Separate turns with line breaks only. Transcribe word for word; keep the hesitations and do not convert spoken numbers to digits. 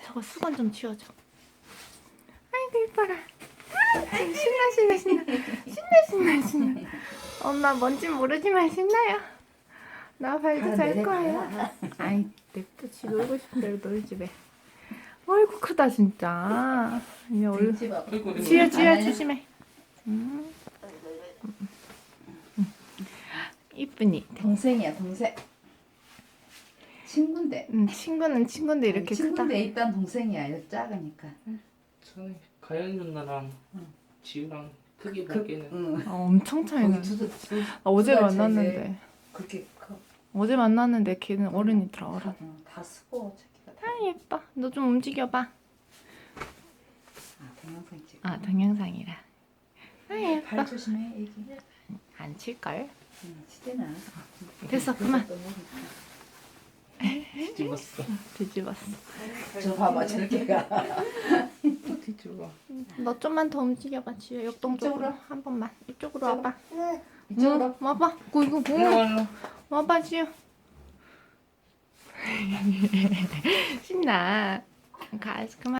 저거 수건 좀 치워줘. 아이고 이뻐라. 신나 신나 신나 신나 신나 신나. 엄마 뭔진 모르지만 신나요. 나 발도 잘 거예요. 아이 냅두지 놀고 싶대로 놀지 왜. 아이고 크다 진짜. 이제 얼른
아이고,
지혜 지혜 조심해. 음. 음. 이쁘니.
동생이야 동생. 친구인데.
음, 친구는 친구인데 이렇게 크다.
친구인데 일단 동생이야. 이렇게 작으니까.
저는 가연 누나랑
응.
지우랑 크게
그,
보기에는
응.
아, 엄청 차이 나.
거기 두, 두,
아, 어제
두 달 차이인데
만났는데
그렇게 커.
어제 만났는데 걔는 어른이더라 어른.
응, 다 스포 자기가. 다.
아 예뻐. 너 좀 움직여봐.
아 동영상 찍.
아 동영상이라. 아 예뻐.
발 조심해 애기.
안 칠걸?
응, 시대나.
됐어, 그만.
뒤집었어.
뒤집었어.
저 봐봐 저렇게 가.
또 뒤집어.
너 좀만 더 움직여봐 지효. 역동적으로
이쪽으로?
한 번만. 이쪽으로 와봐.
이쪽으로.
응, 와봐. 이거 이거
일로
뭐?
와, 일로 와.
와봐 지효. 신나. 가 그만.